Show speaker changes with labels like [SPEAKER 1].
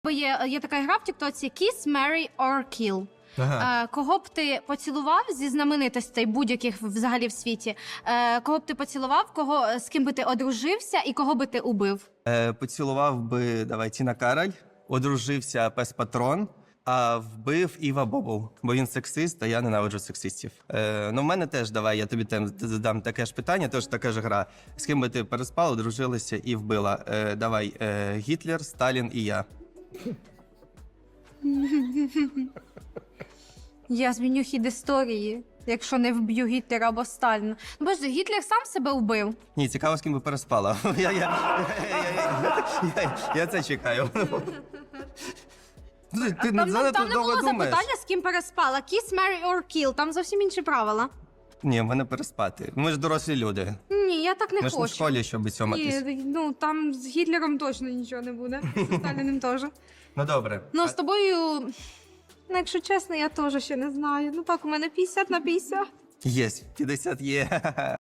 [SPEAKER 1] Є така гра в тіктоці Kiss, Marry or Kill.
[SPEAKER 2] Ага.
[SPEAKER 1] Кого б ти поцілував зі знаменитостей будь-яких взагалі в світі? Кого б ти поцілував, з ким би ти одружився і кого би ти убив?
[SPEAKER 2] Поцілував би, давай, Тіна Кароль, одружився Пес Патрон, а вбив Іва Бобул, бо він сексист, а я ненавиджу сексистів. Ну, в мене теж, давай, я тобі задам таке ж питання, теж така ж гра. З ким би ти переспала, одружилася і вбила? Давай, Гітлер, Сталін і я.
[SPEAKER 1] Я зміню хід історії, якщо не вб'ю Гітлера або Сталіна. Ну, боже, Гітлер сам себе вбив.
[SPEAKER 2] Ні, цікаво, з ким би переспала. Я це чекаю. Ти
[SPEAKER 1] Там не
[SPEAKER 2] занадто довго
[SPEAKER 1] було
[SPEAKER 2] думаєш.
[SPEAKER 1] запитання, з ким переспала. Kiss, Marry or Kill. Там зовсім інші правила.
[SPEAKER 2] Ні, в мене переспати. Ми ж дорослі люди.
[SPEAKER 1] Ні, я так не
[SPEAKER 2] Ми ж не в
[SPEAKER 1] хочу.
[SPEAKER 2] школі, щоб цьоматись.
[SPEAKER 1] Ні, ну там з Гітлером точно нічого не буде. З Сталіним теж.
[SPEAKER 2] Ну добре.
[SPEAKER 1] Ну, з тобою, ну, якщо чесно, я теж ще не знаю. Ну так, у мене 50 на 50.
[SPEAKER 2] Є, 50 є.